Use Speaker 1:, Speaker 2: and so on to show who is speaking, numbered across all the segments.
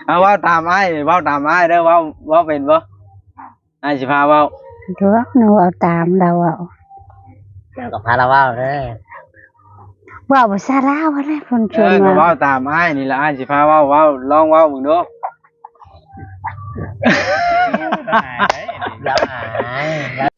Speaker 1: เอาเว้าตามอ้ายเว้าตามอ้ายเด้อเว้าเป็นบ่อ้ายสิพาเว้า
Speaker 2: เลือกหนูเอาตามเราเอา
Speaker 3: เดี๋ยวกับพาราว่าเด้อ
Speaker 2: ว่าภาษาลาวอะไรคนชวน
Speaker 1: ก็
Speaker 2: ว่า
Speaker 1: เว้าตามอ้ายนี่แหละอ้ายสิพาเว้าลองเว้ามึงดู
Speaker 3: แล้วหายแล้ว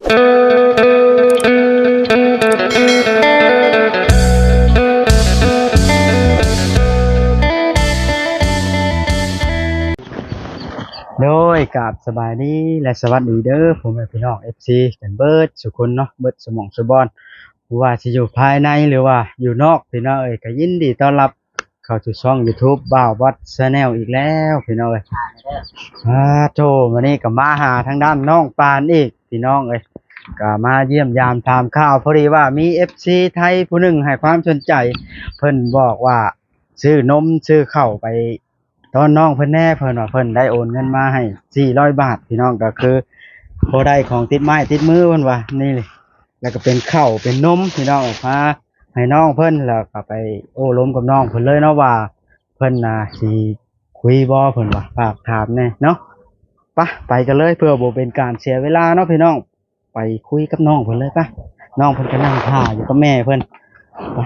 Speaker 1: โดยกับสบายดีและสวัสดีเด้อผมเป็นพี่น้อง FC กันเบิดสุคนเนาะเบิดสมองสุบอนว่าสิอยู่ภายในหรือว่าอยู่นอกพี่น้องเอ้ยก็ยินดีต้อนรับเข้าสู่ช่อง YouTube บ่าววัด Channel อีกแล้วพี่น้องเอ้ยโธ่วันนี้ก็มาหาทางด้านน้องปานอีกพี่น้องเอ้ยก็มาเยี่ยมยามถามข่าวพอดีว่ามี FC ไทยผู้หนึ่งให้ความสนใจเพิ่นบอกว่าซื้อนมซื้อข้าวไปตอนน้องเพิ่นแน่เพิ่นว่าเพิ่นได้โอนเงินมาให้400 บาทพี่น้องก็คือพอได้ของติดไม้ติดมือเพิ่นว่านี่เลยแล้วก็เป็นข้าวเป็นนมพี่น้องพาให้น้องเพิ่นแล้วก็ไปโอ้ล้มกับน้องเพิ่นเลยเนาะว่าเพิ่นน่ะสิคุยบ่เพิ่นว่าฝากถามแน่เนาะไปกันเลยเพื่อบ่เป็นการเสียเวลาเนาะพี่น้องไปคุยกับน้องเพิ่นเลยปะน้องเพิ่นก็นั่งท่าอยู่กับแม่เพิ่นไป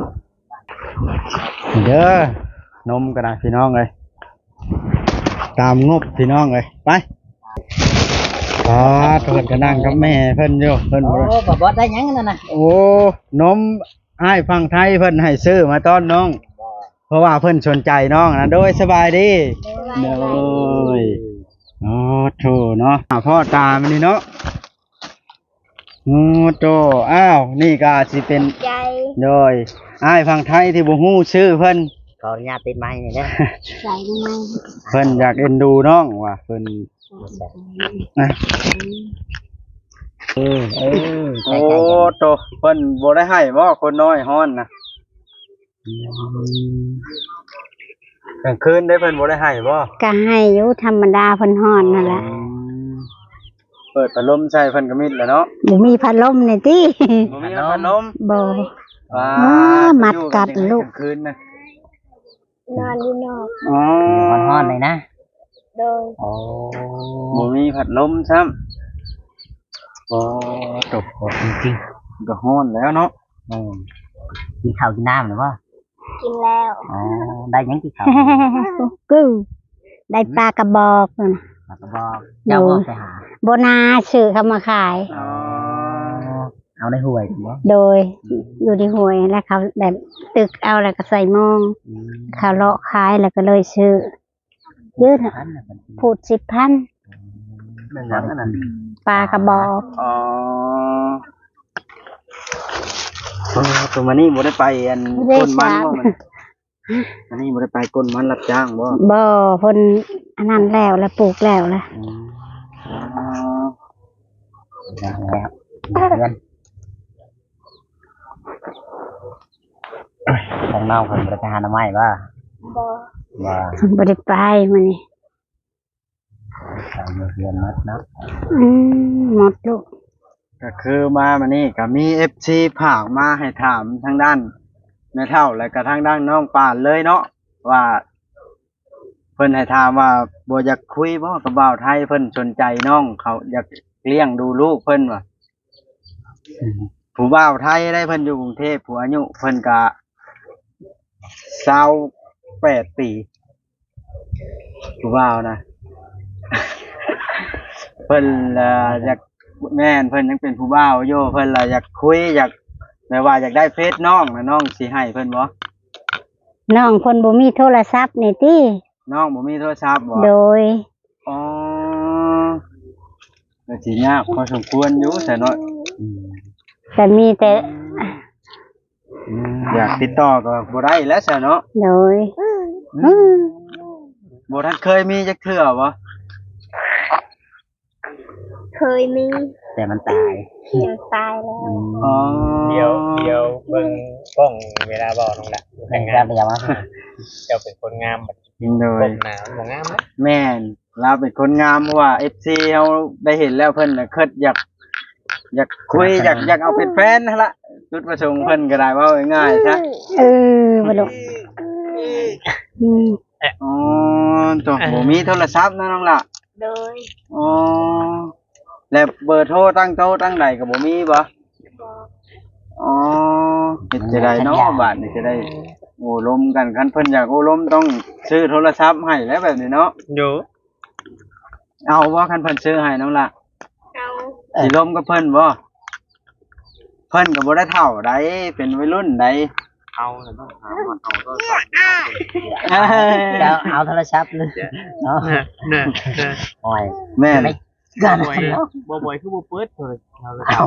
Speaker 1: เด้อนมก็ได้พี่น้องเอ้ยตามงบพี่น้องเอ้ยไปเพิ่นก็นั่งกับแม่เพิ่นอยู่เพิ่น
Speaker 3: โอ้บ่บอสได้ยังนั่นน่ะ
Speaker 1: โอ้นมอ้ายฟังไทยเพิ่นให้ซื้อมาต้อนน้องเพราะว่าเพิ่นสนใจน้องนะโดยสบายดีโดยโอ้โธ่เนาะพ่อตามันนี่เนาะโอ้โธ่อ้าวนี่ก็สิเป็น
Speaker 2: ใจ
Speaker 1: โดยอ้ายฟังไทยที่บ่ฮู้ชื่อเพิ่น
Speaker 3: ขออนุญาตติดไม้นี่เด้อ
Speaker 2: ใส่ทำไม
Speaker 1: เพิ่นอยากเอ็นดูน้องว่ะเพิ่นนะโอ้
Speaker 3: ใกล้ๆกัน
Speaker 1: โตเพิ่นบ่ได้ให้บ่คนน้อยฮ้อนนะกลางคืนได้เพิ่นบ่ได้ให้บ่
Speaker 2: ก็ให้อยู่ธรรมดาเพิ่นฮ้อนนั่นแหละ
Speaker 1: เปิดพัดลมใส่เพิ่นก็มิดแหล้วเนาะ
Speaker 2: บ่มีพัดลมนี่ติ
Speaker 1: บ่มีพัดลม
Speaker 2: บ่
Speaker 1: ว้า
Speaker 2: มัดกัดลูก
Speaker 1: กลางคืนนะ
Speaker 2: นอนอยู่นอก
Speaker 1: อ๋อ
Speaker 3: ฮ้อนๆเลยนะ
Speaker 2: โดย
Speaker 3: โอ้
Speaker 1: บ่มีพัดลมซ้ำโอ้ตก
Speaker 3: โหจริง
Speaker 1: ก็ฮ้อนแล้วเนาะ
Speaker 3: ๆกินข้าวกินน้ำหรือว่า
Speaker 2: กินแล้ว
Speaker 3: อ๋อได้ยังกินข้าว
Speaker 2: กูได้ปลากระบอกนั่น
Speaker 3: แล้วก็บอกเจ้าบอกไปหา
Speaker 2: โบนาซื้อเข้ามาขาย
Speaker 1: อ๋อ
Speaker 3: เอาในห่วยถูกบ่
Speaker 2: โดยอยู่ที่ห้วยแล้วเขาแบบตึกเอาแล้วก็ใส่หมองเขาเลาะขายแล้วก็เลยซื้อยืด
Speaker 3: พันน่ะมัน
Speaker 2: พูด10,000
Speaker 1: แม่นหยังอันนั้น
Speaker 2: ปลากระบอก
Speaker 1: อ๋อตัวมันนี่บ่ได้ไปอันก้นมันบ่มันนี่บ่ได้ไปก้นมันรับจ้างบ่
Speaker 2: บ่เพิ่นอันนั้นแล้วปลูกแล้วล่ะ
Speaker 3: แล้วเงินทางนอกเพิ่นบ่ได้ไปหาหน่อไม้บ่
Speaker 2: บ่
Speaker 3: บ่
Speaker 2: บ่ได้ไปมื้อนี้
Speaker 3: ทางเรียนมัดเนาะ
Speaker 2: หมดลูก
Speaker 1: ก็คือมามันนี่ก็มี FC ผากมาให้ถามทางด้านแม่เฒ่าแล้วก็ทางด้านน้องปานเลยเนาะว่าเพิ่นให้ถามว่าบ่อยากคุยบ่กับบ่าวไทยเพิ่นสนใจน้องเขาอยากเลี้ยงดูลูกเพิ่นว่าผู้บ่าวไทยได้เพิ่นอยู่กรุงเทพผู้อายุเพิ่นก็28 ปีผู้บ่าวนะ เพิ่นอยากแม่นเพิ่นยังเป็นผู้บ่าวอยู่เพิ่นอยากคุยอยากแบบว่าอยากได้เฟซน้องนะน้องสิให้เพิ่นบ่
Speaker 2: น้องเพิ่นบ่มีโทรศัพท์นี่ติ
Speaker 1: น้องบ่มีโทรศัพท์บ่
Speaker 2: โดย
Speaker 1: อ๋อก็สิยากพอสมควรอยู่แต่เนาะ
Speaker 2: แต่มีแต่
Speaker 1: อยากติดต่อก็บ่ได้แล้วซะเนาะ
Speaker 2: โดย
Speaker 1: บ่ทันเคยมีจักเทื่อบ่
Speaker 2: เคยมี
Speaker 3: แต่มันตาย
Speaker 2: ยังตายแล้ว
Speaker 1: อ๋อ
Speaker 4: เดี๋ยวเบิ่งกล้องเวลาบอกน้องละ
Speaker 3: แต่งงานไปยังวะ
Speaker 4: เจ้าเป็นคนงามแบบ
Speaker 1: โด
Speaker 4: ก
Speaker 1: ย
Speaker 4: บหนาบ่งามนะ
Speaker 1: แม่นเราเป็นคนงามเพราะว่า FC เฮาได้เห็นแล้วเพิ่นน่ะคิดอยากคุยอยากเอาเป็นแฟนนั่นล่ะจุดประสงค์เพิ่นก็ได้เว้าง่ายๆซะ
Speaker 2: บ่ลูก
Speaker 1: อ๋อตัวบ่มีโทรศัพท์นะน้องล่ะ
Speaker 2: โดย
Speaker 1: อ๋อแล้วเบอร์โทรตั้งโต๊ะตั้งใดก็บ่มีบ่อ๋อเฮ็ดจะได้เนาะบาดนี่จะได้โอ้ลมกันคันเพิ่นอยากโอ้ลมต้องซื้อโทรศัพท์ให้แล้วแบบนี้เนาะ
Speaker 4: อยู่
Speaker 1: เอาบ่คันเพิ่นซื้อให้น้องล่ะ
Speaker 2: เอา
Speaker 1: สิลมกับเพิ่นบ่เพิ่นก็บ่ได้เฒ่าใดเป็นวัยรุ่นใด
Speaker 4: เอาแล้วต้องหาว่าเอาก็
Speaker 3: แล้วเอาโทรศัพท์เลยเนาะ
Speaker 4: เนี่ย
Speaker 3: โอ้ย
Speaker 1: แม่น
Speaker 3: ไม่กัน
Speaker 4: บ่อยบ่อยคือบ่เปิดเลยเอาเลย
Speaker 3: เอา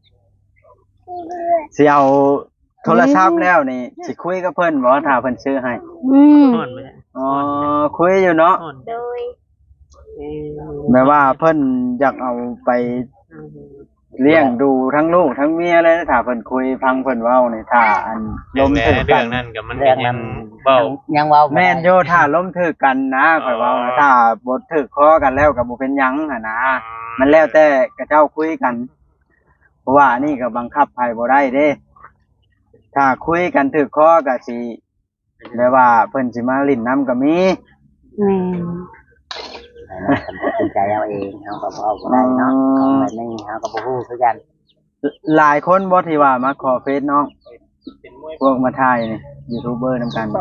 Speaker 1: สิเอาโทรศัพท์แล้วนี่สิคุยกับเพิ่นบ่ถ้าเพิ่นซื้อให้
Speaker 2: อืม
Speaker 4: นอนไป
Speaker 1: อ๋อคุยอยู่เนาะ
Speaker 4: นอน
Speaker 2: โดย
Speaker 1: แม่ว่าเพิ่นอยากเอาไปเลี้ยงดูทั้งลูกทั้งเมียเลยนะถ้าเพิ่นคุยฟังเพิ่นเว้านี่ถ้าอันล้มถึก
Speaker 4: เรื่
Speaker 1: กั
Speaker 4: อง
Speaker 1: น
Speaker 4: นั้นกับมัน
Speaker 3: เรื่อง
Speaker 4: ยั
Speaker 3: นั้
Speaker 4: ง
Speaker 3: น
Speaker 4: เบ้า
Speaker 3: ยังเว้า
Speaker 1: แม่นโยถ้าล้มถึกกันนะข่อยเว้านะถ้าบ่ถึกคอกันแล้วก็บ่เป็นหยังหั่นนะมันแล้วแต่กระเจ้าคุยกัน เพราะว่าอันนี้ก็บังคับไผบ่ได้เด้ ถ้าคุยกันถึกคอก็สิแบบว่าเพิ่นสิมาลิ้นน้ำก็มี
Speaker 2: แม่น
Speaker 3: ตัดสินใจเอาเองเฮาก็บ่เอาบ่ได้เนาะของแบบนี้เฮาก็บ่ฮู้คือกัน
Speaker 1: หลายคนบ่ที่ว่ามาขอเฟซน้องพวกมาถ่ายนี่ยูทูบเบอร์นำกัน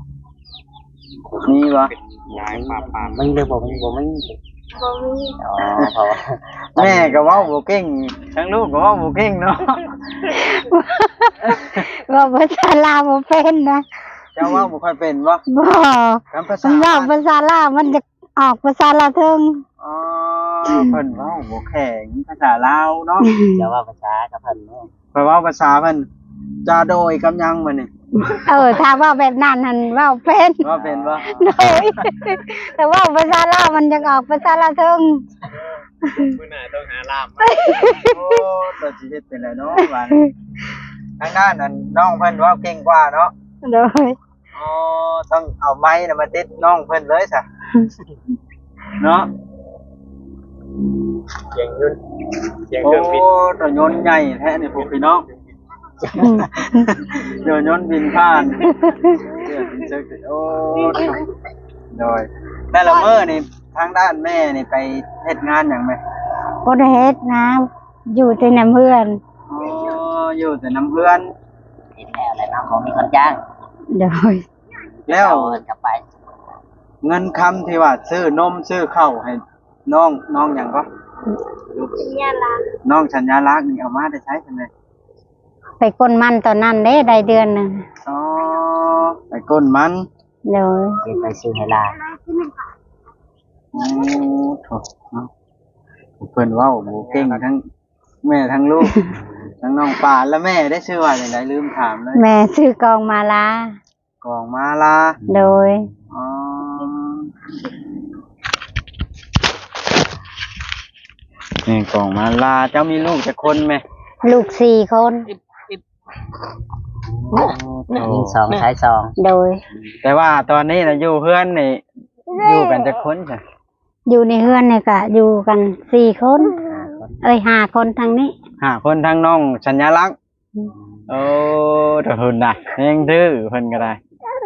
Speaker 1: มีบ่
Speaker 4: ย้ายป่าป่า
Speaker 3: มีหรือบ่มีบ่มี
Speaker 2: บ่มี
Speaker 3: อ๋อเพราะว่า
Speaker 1: แม่ก็เว้าบ่เก่งทั้งลูกก็เว้าบ่เก่งเนาะ
Speaker 2: ว่าภาษาลาวบ่เป็นนะ
Speaker 1: เจ้าเว้าบ่ค่อยเป็นบ่
Speaker 2: บ่
Speaker 1: คำภา
Speaker 2: มั
Speaker 1: ษาน
Speaker 2: ว่าภาษาลาวมันจะออกภาษาลาวเทิง
Speaker 1: อ๋อเพิ่นเว้าบ่แข็งภาษาลาวเนาะ
Speaker 3: จะว่าภาษากับเพิ่นเนาะ
Speaker 1: เพิ่นเว้าภาษาเพิ่นจะโดยกำยังมื้อนี่
Speaker 2: ถ้าว่าแบบนั้นหั่นเว้าเป็น
Speaker 1: ว่าเป็นบ่
Speaker 2: โดยแต่ว่าภาษาลาวมันจะออกภาษาลาวเทิง
Speaker 4: มื้อหน้าต้องหาลาม
Speaker 1: โอ้ตัวสิเฮ็ดเป็นไรเนาะว่าทางด้านนั้นน้องเพิ่นเว้าเก่งกว่าเนาะ
Speaker 2: โดย
Speaker 1: อ๋อต้องเอาไม้น่ะมาติดน้องเพิ่นเลยซะเนาะ
Speaker 4: เสียงยุ่นเสียง
Speaker 1: โอ้
Speaker 4: เครื่องบิน
Speaker 1: รถยนต์ใหญ่แท้นี่พวกพี่น้องเดี๋ยวยนต์บินผ่านเดี๋ยวบินเจอโอ้โดยแต่ละมื้อนี่ทางด้านแม่นี่ไปเฮ็ดงานหยังไหม
Speaker 2: บ่ได้เฮ็ดนะอยู่แต่นำเพื่อน
Speaker 1: อ๋ออยู่แต่น้ำเพื่อน
Speaker 3: เห็นแล้วแหละเนาะบ่มีคนจ้าง
Speaker 2: โดย
Speaker 1: แล้ว
Speaker 3: เอาเงินกลับไป
Speaker 1: เงินคำที่ว่าซื้อนมซื้อข้าวให้น้องหยังก็
Speaker 2: เนี่ยล่ะ
Speaker 1: น้องสัญญาลักษณ์นี่เอามาได้ใช้ใช่ไหม
Speaker 2: ไปกนมันตอนนั้นเด้ได้เดือนหนึง
Speaker 1: อ๋อไปก้นมัน
Speaker 2: โดย
Speaker 3: สิไปซื้อให้หลาน
Speaker 1: โอ้โถเนาะเพิ่นเว้าบ่เก่งทั้งแม่ทั้งลูก ทั้งน้องป่านและแม่ได้ชื่อว่าจังไดลืมถามเลย
Speaker 2: แม่ซื้อกองมาลาก
Speaker 1: องมาลา
Speaker 2: โดย
Speaker 1: อ๋อนี่กองมาลาเจ้ามีลูกจักคนไหม
Speaker 2: ลูก4 คน
Speaker 3: ยิงสองใช้สอง
Speaker 2: โดย
Speaker 1: แต่ว่าตอนนี้น่ะอยู่เพื่อนนี่อยู่กันจักคนจ้ะ
Speaker 2: อยู่ในเฮือนเนี่ยก็อยู่กัน4 คน 5 คนทางนี้
Speaker 1: 5 คนทั้งน้องสัญลักษณ์โอ้ถ้าเพิ่นน่ะยังดื้อเพิ่นก็ได้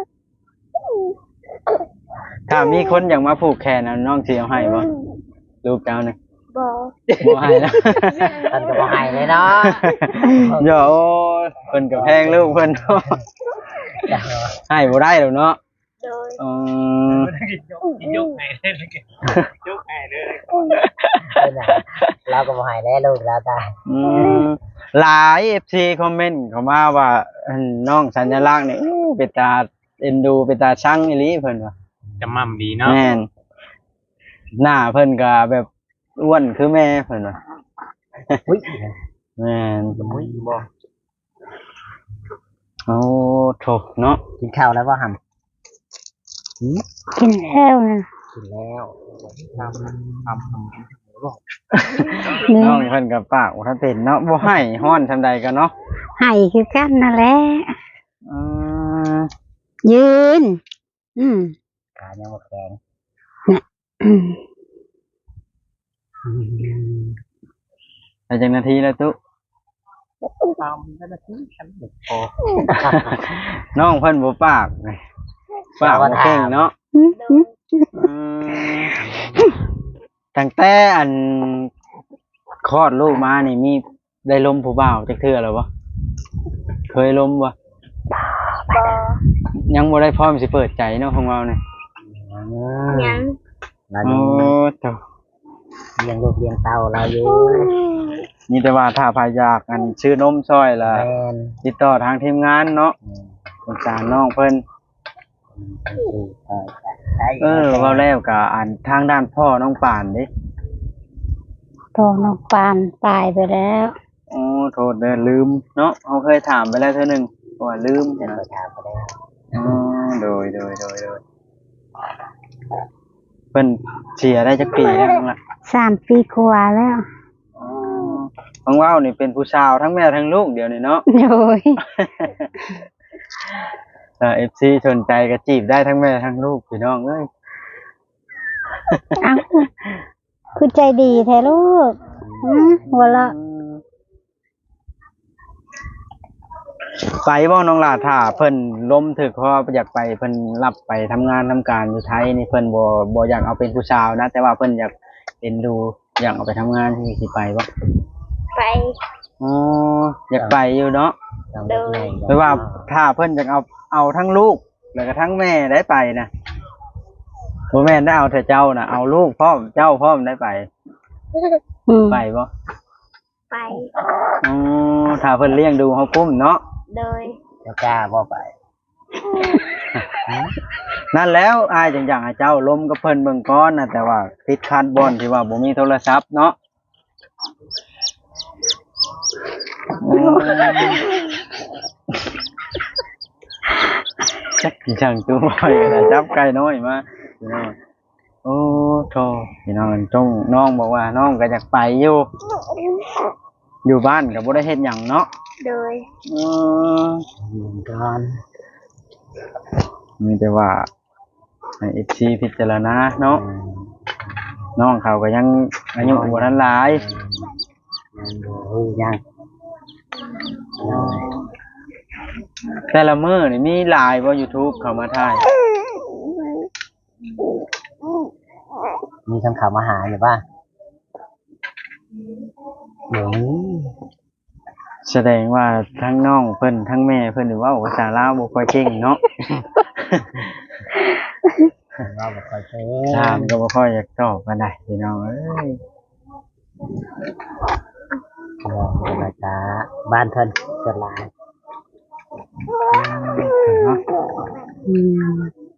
Speaker 1: ถ้ามีคนอยากมาผูกแขนน่ะน้องสิเอาให้บ่ลูกเจ้านี่
Speaker 2: บ่
Speaker 1: บ่ให้นะ
Speaker 3: เพิ่นก็บ่ให้เลยเนาะ
Speaker 1: โยโอ้ยเพิ่นก็แพงลูกเพิ่นเนาะให้บ่ได้ดอกเนาะ
Speaker 2: โดย
Speaker 1: อืม
Speaker 4: ยกให้เลยยกให้เลย
Speaker 3: เพิ่นน่ะเราก็บ่ให้แล้วลูกเราตาย
Speaker 1: อืมหลาย FC คอมเมนต์เข้ามาว่าน้องสัญลักษณ์นี่อู้เป็นตาเอ็นดูเป็นตาชังอีหลีเพิ่นว่า
Speaker 4: จะมั่มดีเนาะ
Speaker 1: แม่นหน้าเพิ่นก็แบบอ้วนคือแม่เพิ่นว่า
Speaker 3: อุ้ย
Speaker 1: แม่น
Speaker 3: อุ้ยบ่
Speaker 1: โอ้โถเนาะ
Speaker 3: กินข้าวแล้วบ่หำ
Speaker 2: กินแล้วนะ
Speaker 3: กินแล้ว
Speaker 2: นี่
Speaker 1: น้องเพิ่นก็ปากบ่ทันเป็นเนาะบ่ให้ฮ้อนซำใดก็เนาะ
Speaker 2: ให้คือกันนั่นแหละ
Speaker 1: อืม
Speaker 2: ยืน
Speaker 3: ขายังบ่แข็ง
Speaker 2: อืม
Speaker 1: ได้จักนาทีแล้วตุ
Speaker 3: ตามได้นาทีฉันบ่พอ
Speaker 1: น้องเพิ่นบ่ปากปากบ่เก่งเนาะ
Speaker 2: อืม
Speaker 1: อืตั้งแต่อันคลอดลูกมานี่มีได้ล้มผู้บ่าวจักเทื่อแล้วบ่เคยล้มบ่
Speaker 2: บ่
Speaker 1: ยังบ่ได้พร้อมสิเปิดใจเนาะของเราเนี่ย
Speaker 2: ยัง
Speaker 3: เรา
Speaker 1: โอ้
Speaker 3: ยัง
Speaker 1: เจ้า
Speaker 3: เลี้ยงลูกเลี้ยงเต้าเราอยู่
Speaker 1: มีแต่ว่าถ้าพายากอันชื่อนมซอยล่ะ
Speaker 3: แม่น
Speaker 1: ติดต่อทางทีมงานเนาะสงสารน้องเพิ่นเว้าแล้วก็อันทางด้านพ่อน้องป่านเด้
Speaker 2: พ่อน้องปานตายไปแล้ว
Speaker 1: โอ้โทษเด้อลืมเนาะเฮาเคยถามไปแล้วเทื่อหนึงว่าลืม
Speaker 3: เดี๋ยว
Speaker 1: นะ
Speaker 3: เราถามไปแล้ว
Speaker 1: อ๋อโดยเพิ่นเสียได้จักปีแล้วนั่นล่ะ
Speaker 2: 3 ปีกว่าแล้ว
Speaker 1: อ๋อของเว้านี่เป็นผู้สาวทั้งแม่ทั้งลูกเดี๋ยวนี้เนาะ
Speaker 2: โดย
Speaker 1: ถ้า FC สนใจก็จีบได้ทั้งแม่ทั้งลูกพี่น้องเอ้ย
Speaker 2: เอ้าคือใจดีแท้ลูกหัวเราะ
Speaker 1: ไปบ่น้องหลาถ้าเพิ่นล้มถึกเพราะอยากไปเพิ่นรับไปทำงานทำการอยู่ไทยนี่เพิ่นบ่อยากเอาเป็นผู้สาวนะแต่ว่าเพิ่นอยากเอ็นดูอยากเอาไปทำงานที่สิไปบ่
Speaker 2: ไป
Speaker 1: อ๋ออยากไปอยู่เนาะ
Speaker 3: ต้องเลี้ยงแม่
Speaker 1: แต่ว่าถ้าเพิ่นอยากเอาทั้งลูกแล้วก็ทั้งแม่ได้ไปนะบ่แม่นได้เอาแต่เจ้านะเอาลูกพร้อมเจ้าพร้อมได้ไป ไปบ่
Speaker 2: ไป
Speaker 1: อ๋อถ้าเพิ่นเลี้ยงดูเฮากุ้มเนาะ
Speaker 2: โดย
Speaker 3: เจ้ากล้าบ่ไป
Speaker 1: นั่นแล้วอายจังอยากให้เจ้าล้มกับเพิ่นเบิ่งก่อนนะแต่ว่าติดคันบ่อนที่ว่าบ่มีโทรศัพท์เนาะจักจังตัวบ่อยนะจับไก่น้อยมาพี่น้องโอ้โธ่พี่น้องต้องน้องบอกว่าน้องก็อยากไปอยู่บ้านก็บ่ได้เฮ็ดหยังเนาะ
Speaker 2: โดย
Speaker 1: อืม
Speaker 3: อยู่ก่อน
Speaker 1: มีแต่ว่าให้ FC พิจารณาเนาะน้องเขาก็ยังอายุบ่ทันหลาย
Speaker 3: ยังบ่ฮู้ยัง
Speaker 1: แต่ละมื้อนี่มีหลายบ่ YouTube เข้ามาถ่าย
Speaker 3: มีคำข่าวมาหาอยู่ป่ะเดี๋ยวนี้
Speaker 1: แสดงว่าทั้งน้องเพิ่นทั้งแม่เพิ่นนี่เว้าภาษาลาวบ่ค่อยเก่งเนาะ
Speaker 3: เราบ่ค่อยเป็น
Speaker 1: ถามก็บ่ค่อยอยากตอบปานใดพี่น้องเอ้ย
Speaker 3: เราเป็นรายการบ้านเพิ่นเกิดหลาย
Speaker 1: เนาะ
Speaker 2: อืม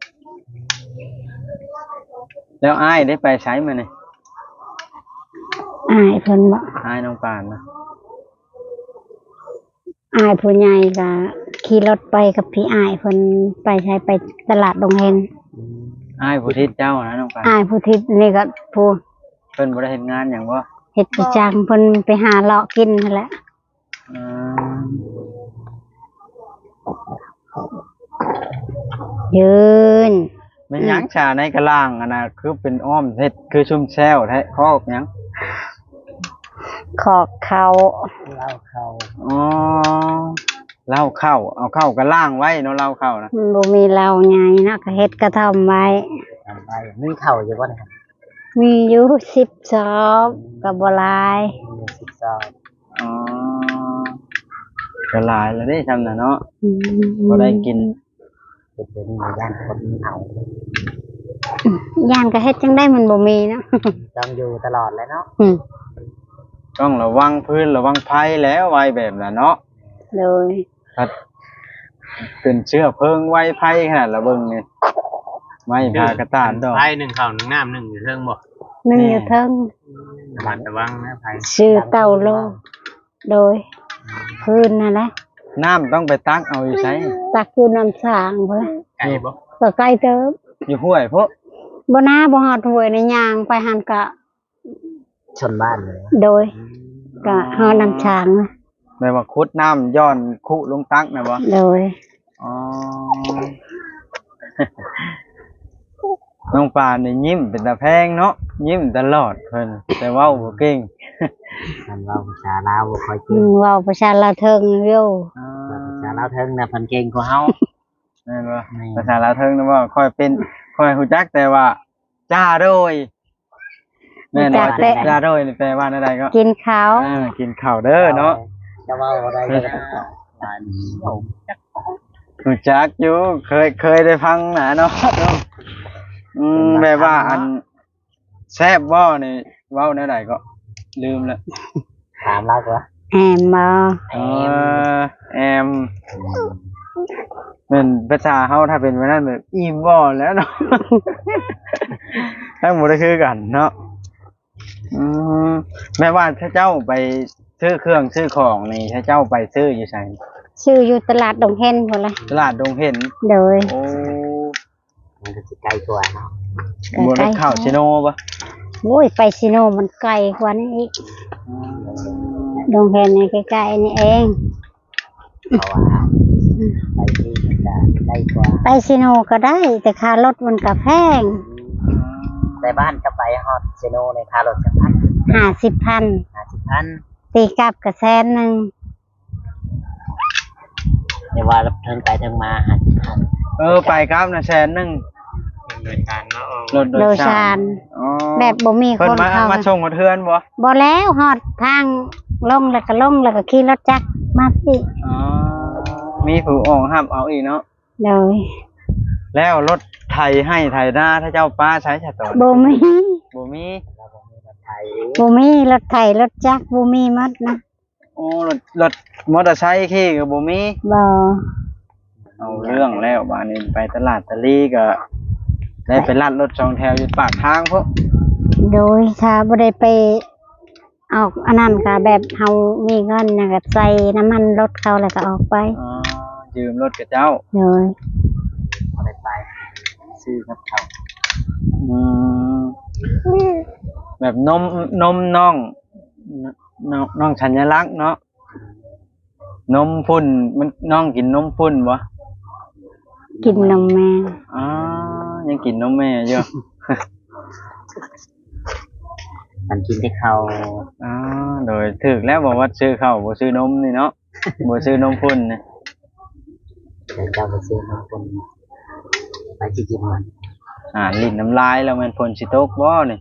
Speaker 1: แล้วอ้ายได้ไปไสมานี่
Speaker 2: อายเพิ่นบ่
Speaker 1: อ้ายน้องปานนะ
Speaker 2: อายผู้ใหญ่ก็ขี่รถไปกับพี่อายเพิ่นไปใช้ไปตลาดดงเฮง
Speaker 1: อ้ายผู้ทิศเจ้านะน้องปาน
Speaker 2: อายผู้ทิศนี่ก็ผู้
Speaker 1: เพิ่นบ่ได้เฮ็ดงานหยังบ่
Speaker 2: เฮ็ดประจังเพิ่นไปหาเลาะกินนั่นแหละ
Speaker 1: อืม
Speaker 2: ยืน
Speaker 1: แม่นหยังชาในกะล่างอันน่ะคือเป็นอ้อมเฮ็ดคือชุ่มแซวแท้คอกหยัง
Speaker 2: ขอกเขา
Speaker 3: เล่าเข้า
Speaker 1: อ๋อเหล้าเข้าเอาเข้ากะล่างไว้เนาะเหล้าเข้านะ
Speaker 2: มันบ่มีเหล้าใหญ่เนาะก็เฮ็ดกระท่อมไว้
Speaker 3: ทำไปมีเข้าอยู่บ่นะครับ
Speaker 2: มีอยู่10ซอกก็บ่หลาย
Speaker 3: มี12
Speaker 1: อ๋อก็หลายแล้วเด้ทำน่ะเนาะ
Speaker 2: อืม
Speaker 1: บ่ได้กิน
Speaker 3: เดี๋ยวนี้มีย่านคนเอา
Speaker 2: ย่านก็เฮ็ดจังได้มันบ่มีเนาะ
Speaker 3: ต้องอยู่ตลอดเลยเนาะ
Speaker 2: อืม
Speaker 1: ต้องระวังพื้นระวังภัยแล้วไว้แบบน่ะเนาะ
Speaker 2: โดย
Speaker 1: ถ้าเป็นเชื้อเพลิงไว้ภัยขนาดละเบิ่งนี่ไม่พากระตานดอก
Speaker 4: ไผ่หนึ่งข้าวหนึ่งน้ำหนึ่งอยู่เทิงบ่
Speaker 2: นึ่งอยู่เทิง
Speaker 4: ระมัดระวังนะไผ่
Speaker 2: ชื่อเต่าโลโดยพื้นนั่นแหละ
Speaker 1: น้ำต้องไปตักเอาอยู่ไส
Speaker 2: ตักอยู่น้ำสางพุ่นแหละ
Speaker 4: ไก่บ่
Speaker 2: ก็ใกล้เติบ
Speaker 1: อยู่ห้วยพวก
Speaker 2: บ่นาบ่ฮอดห้วยในยางไปหันกะ
Speaker 3: ชนบ้านเลย
Speaker 2: โดยก็ฮอดน้ำช้างนะ
Speaker 1: แม่ว่าขุดน้ำย้อนคุลงตักนะบ่
Speaker 2: โดย
Speaker 1: อ๋อ น้องปานนี่ยิ้มเป็นตาแพงเนาะยิ้มตลอดเพิ่นแต่เว้าบ่เก่ง
Speaker 3: ทำเราภาษาลาวบ่ค่อยเก่ง
Speaker 2: เว้าประชาลาวเทิงอยู่
Speaker 1: อ๋อ
Speaker 3: ภาษาลาวเทิงน่ะเพิ่นเก่งกว่าเฮา
Speaker 1: แม่นบ่ภาษาลาวเทิงนะบ่ค่อยเป็นค่อยฮู้จักแต่ว่าจ้าโดยแม่นว่าจิตาโดยนี่แปลว่าอะไรก็
Speaker 2: กินข้าว
Speaker 1: กินข้าวเด้อเนาะ
Speaker 3: จะว่าอะไรก็ต้องบ้านผม
Speaker 1: รู้จักอยู่เคยได้ฟังนะเนาะแบบว่าอันแซ่บบ่นี่เว้าแนวใดก็ลืมแล้ว
Speaker 3: ถามเราก็
Speaker 2: แอมบ่
Speaker 1: แอมเป็นภาษาเฮาถ้าเป็นแบบนั้นแบบอิ่มบ่แล้วเนาะ ทั้งหมดก็คือกันเนาะแม่ว่าถ้าเจ้าไปซื้อเครื่องซื้อของนี่ถ้าเจ้าไปซื้ออยู่ไส
Speaker 2: ชื่ออยู่ตลาดดงเห็นพุ่นล่ะ
Speaker 1: ตลาดดงเห็น
Speaker 2: โดย
Speaker 1: โอ้
Speaker 3: มันก็สิใกล้ตัวเนาะ
Speaker 1: บนรถข้าวชิโนปะ
Speaker 2: โอ้ยไปซิโนมันไกลกว่านี้อีกดงเห็นนี่ใกล้ๆนี่เอง
Speaker 3: เพราะว่าไปที่มันจะใกล้กว่า
Speaker 2: ไปซิโนก็ได้ แต่ค่ารถมันก็แพง
Speaker 3: แต่บ้านก็ไปฮอดเซโนในคารถจังพัน
Speaker 2: 50,000
Speaker 3: 50,000
Speaker 2: ตีกลับก็100,000
Speaker 3: เดี๋ยวว่าเทิงไปเทิงมา50,000
Speaker 1: ไปครับนะ100,000
Speaker 4: โดยการเนาะ
Speaker 1: รถโด
Speaker 2: โด
Speaker 1: ย
Speaker 2: ย
Speaker 1: สา
Speaker 2: สาร ร
Speaker 1: อ๋อ
Speaker 2: แบบบ่มี
Speaker 1: เพิ่
Speaker 2: คน น
Speaker 1: มา
Speaker 2: เข้า
Speaker 1: มาส่งมาเทือนบ่
Speaker 2: บ่แล้วฮอดทางลงแล้วก็ขี่รถจักรมาพี่
Speaker 1: อ๋อมีผู้ออกห้ามเอาอีกเนาะ
Speaker 2: โดย
Speaker 1: แล้วรถไถให้ไถหน้าถ้าเจ้าป้าใช้ฉะตอน
Speaker 2: บ่มี
Speaker 1: บ่มี
Speaker 3: แล้วผมมีรถไทย
Speaker 2: บ่มีรถไถรถจักรบ่มีหมดนะ
Speaker 1: โอ้รถมอเตอร์ไซค์ขี่ก็บ่มี
Speaker 2: บ่
Speaker 1: เอาเรื่องแล้วบ้านนี้ไปตลาดตะลีก็ได้ไปลัดรถ2แถวอยู่ปากทางพวก
Speaker 2: โดยถ้าบ่ได้ไปออกอันนั้นก็แบบเฮามีเงินน่ะก็ใส่น้ำมันรถเขาแล้วก็ออกไป
Speaker 1: อ๋อยืมรถกับเจ้า
Speaker 2: โดย
Speaker 3: พอได้ไปซื้อกับเขา
Speaker 1: อืมแบบนมน้องสัญลักษณ์เนาะนมพุ่นมันน้องกินนมพุ่นบ่
Speaker 2: กินนมแม่
Speaker 1: อ๋อยังกินนมแม่อยู่
Speaker 3: มันกินที่เขา
Speaker 1: อ๋อโดยถึกแล้วบอกว่าซื้อข้าวบ่ซื้อนมนี่เนาะ บ่ซื้อนมพุ่นนะ
Speaker 3: เดี๋ยวเจ้าไปซื้อน้ำคนไปสิกินมัน
Speaker 1: ลิ้นน้ำลายแล้วมันฝนสิตกบ่นี่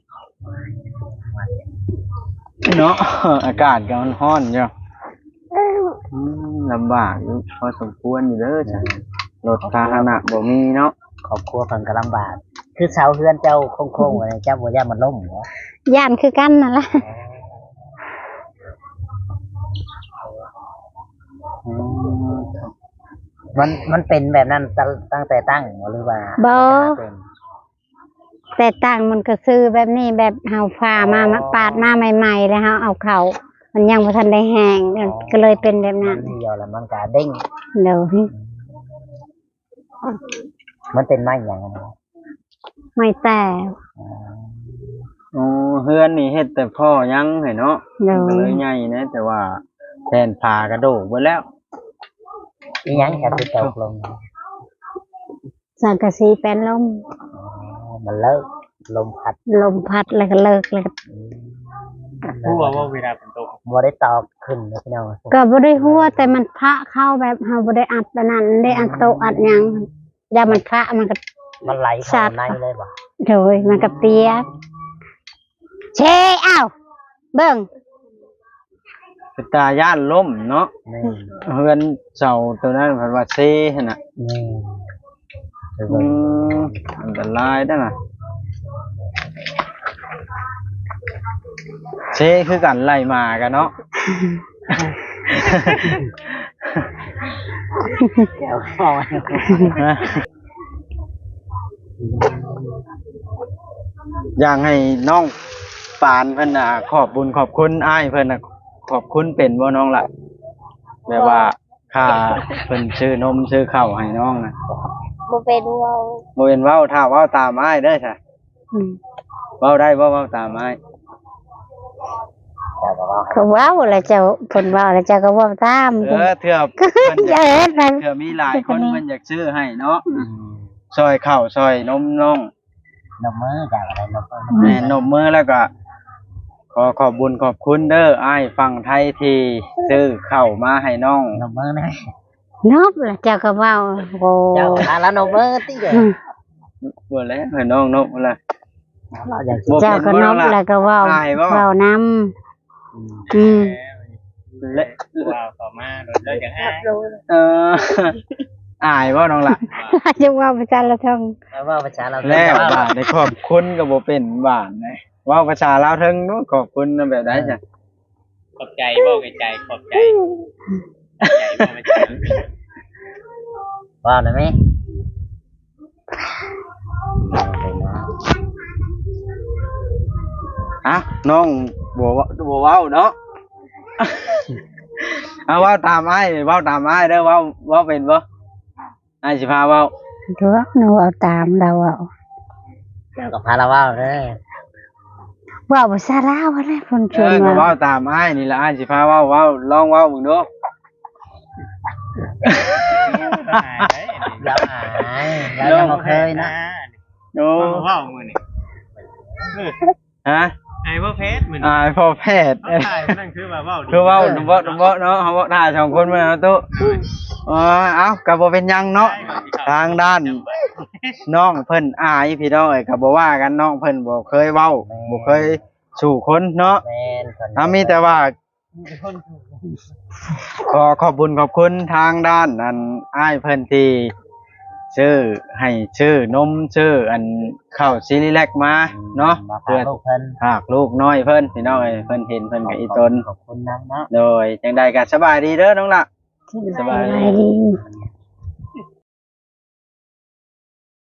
Speaker 1: เนาะ อากาศก็ร้อนอยู่ลำบากอยู่พอสมควรอยู่เด้อจ้ะรถพาหนะบ่มีเนาะ
Speaker 3: ครอบครัวเพิ่นก็ลำบาก คือเสาเฮือนเจ้าโค้งๆอะไรเจ้าบ่ย่ามันล่มเหรอ
Speaker 2: ย่านคือกันนั่นล่ะ
Speaker 3: มันเป็นแบบนั้นตั้งแต่ตั้งหรือว่า
Speaker 2: บ่
Speaker 3: เป็น
Speaker 2: แต่ต่างมันก็ซื้อแบบนี้แบบเฮาฟ้ามาปาดมาใหม่ๆแล้วเฮาเอาเข้ามันยังบ่ทันได้แห้งก็เลยเป็นแบบ
Speaker 3: มั
Speaker 2: นั้น
Speaker 3: นเดียวแล้วมันก็เด้ง
Speaker 2: โดย
Speaker 3: มันเป็นไม้อย่างนั้น
Speaker 2: ไม่แต่
Speaker 1: โอ้เฮือนนี่เฮ็ดแต่พ่อยังให้เนาะ
Speaker 2: โด
Speaker 1: ก็
Speaker 2: ย
Speaker 1: เลยใหญ่นะแต่ว่าแทนผากระโดกไปแล้ว
Speaker 3: อีหยังจะไปตกลง
Speaker 2: สังกะสีแป้นลม
Speaker 3: มันเลิกลมพัด
Speaker 2: ลมพัดแล้วก็เลิกแล้วก็
Speaker 4: ผู้ว่าเวลาฝนตก
Speaker 3: บ่ได้ตอบขึ้นนะพี่น้อง
Speaker 2: ก็บ่ได้หัวแต่มันพระเข้าแบบเฮาบ่ได้อัดอันนั้นได้อัดโตะอัดหยังอย่ามันพระมันก็
Speaker 3: มันไหลเข้าในเลยบ่
Speaker 2: โดยมันก็เปียกเชอ้าวเบิ่ง
Speaker 1: เป็นตาย่านล่มเนาะ
Speaker 3: นี่
Speaker 1: เฮือนเสาตัวนั้นเพิ่นว่าเซหั่นน่ะ
Speaker 3: นี่
Speaker 1: อันตรายนั่นน่ะเซคือกันไล่มากันเนาะ
Speaker 3: แก้วข้าว
Speaker 1: อยากให้น้องปานเพิ่นน่ะขอบบุญขอบคุณอ้ายเพิ่นน่ะขอบคุณเป็นบ่น้องล่ะแบบว่าค่าเพิ่นซื้อนมซื้อข้าวให้น้องน่ะ
Speaker 2: บ่เป็นเว้า
Speaker 1: บ่เป็นเว้าถ้าเว้าตามอ้ายเด้อจ้ะ
Speaker 2: อืม
Speaker 1: เว้าได้บ่เว้าตามอ้าย
Speaker 2: เขาเว้าแล้วเจ้าเพิ่นเว้าแล้วเจ้าก็เว้าตาม
Speaker 1: เถื่อเพิ่นอ
Speaker 2: อย่าย
Speaker 1: าก
Speaker 2: เฮ็ดนั่น
Speaker 1: เถื่อมีหลายคนเพิ่นอยากซื้อให้เนาะซอยข้าวซอยนมน้อง
Speaker 3: นมมือจากอะไรนมมือ
Speaker 1: แม่นมมือแล้วก็ขอบบุญขอบคุณเด้ออ้ายฝั่งไทยที่ซื้อข้าวมาให้น้อง
Speaker 3: นมมือนะ
Speaker 2: นบแล้วเจ้าก็เว้าโอ้
Speaker 3: เจ้าแล้วนมมือติเด้อ
Speaker 2: อืม
Speaker 1: บ่แล้วให้น้องนกล่ะ
Speaker 3: เราอยาก
Speaker 1: บ่
Speaker 2: เจ้า
Speaker 1: เป็น
Speaker 2: ก็
Speaker 1: บ่
Speaker 2: น
Speaker 1: น้อก งล่ะ
Speaker 2: แล้วก็เว้า
Speaker 1: อายบ่
Speaker 2: เว้านำอืม
Speaker 1: และ
Speaker 4: ว้าวต่อมาโดนเลิกอย่างอ้าย
Speaker 1: เอออายบ่น้องล่ะ
Speaker 2: จะเว้าภาษาละทง
Speaker 3: แล้วว่าภาษาเรา
Speaker 1: แล้วบาดได้ขอบคุณก็บ่เป็นบาดนะเว้าภาษาลาวเทิงเนาะขอบคุณแบบใดจ้ะ
Speaker 4: ขอบใจบ่ไกใจขอบใจบ่ไม่ใจ
Speaker 3: ว่าได้ไหม
Speaker 1: อ่ะน้องบ่เว้าเนาะ เอาเว้าตามอ้ายเว้าตามอ้ายเด้อเว้าเป็นบ่อ้ายสิพาเว้า
Speaker 2: ตัวหนูเอาตามเราเอา
Speaker 3: เจ้ากับพาเราว่าเด้อ
Speaker 2: เว้าภาษาลาวอะไรเพิ่นช
Speaker 1: เอ
Speaker 2: วน
Speaker 1: อก็
Speaker 2: มา
Speaker 1: เว้าตามอ้ายนี่ล่ะอ้ายสิพาเว้าลองเว้าเบิ่งดู
Speaker 3: เราหายเรายังบ่เคยนะ
Speaker 1: โอ้
Speaker 4: ว้าวมือนี่
Speaker 1: ฮะ
Speaker 4: ไอ้บ่เพชรมือนี่
Speaker 1: อ้ายพ่อแพทย์
Speaker 4: เอาถ่ายนั่นคือว่าว้าวดี
Speaker 1: คือเว้าบ่เนาะเฮาเว้าท่าสองคนมาเนาะตุเอ้าก็บ่เป็นหยังเนาะทางด้านน้องเพิ่นอายพี่น้องเอ้ยก็บ่ว่ากันน้องเพิ่นบ่เคยเว้าบ่เคยสู่คนเนาะ
Speaker 3: แม่นคน
Speaker 1: มีแต่ว่าขอบคุญขอบคุณทางด้านอันอ้ายเพิ่นที่ชื่อให้ชื่อนมชื่ออันข้าวซีรีแลกมาเนาะ
Speaker 3: มา
Speaker 1: เพื่อ
Speaker 3: ลูกเพิ่น
Speaker 1: หากลูกน้อยเพิ่นพี่น้องเอ้ยเพิ่นเห็นเพิ่นก็อีตน
Speaker 3: ขอบคุณนะเนาะ
Speaker 1: โดยจังใดก็สบายดีเด้อน้องล่ะ สบายดี
Speaker 2: ดี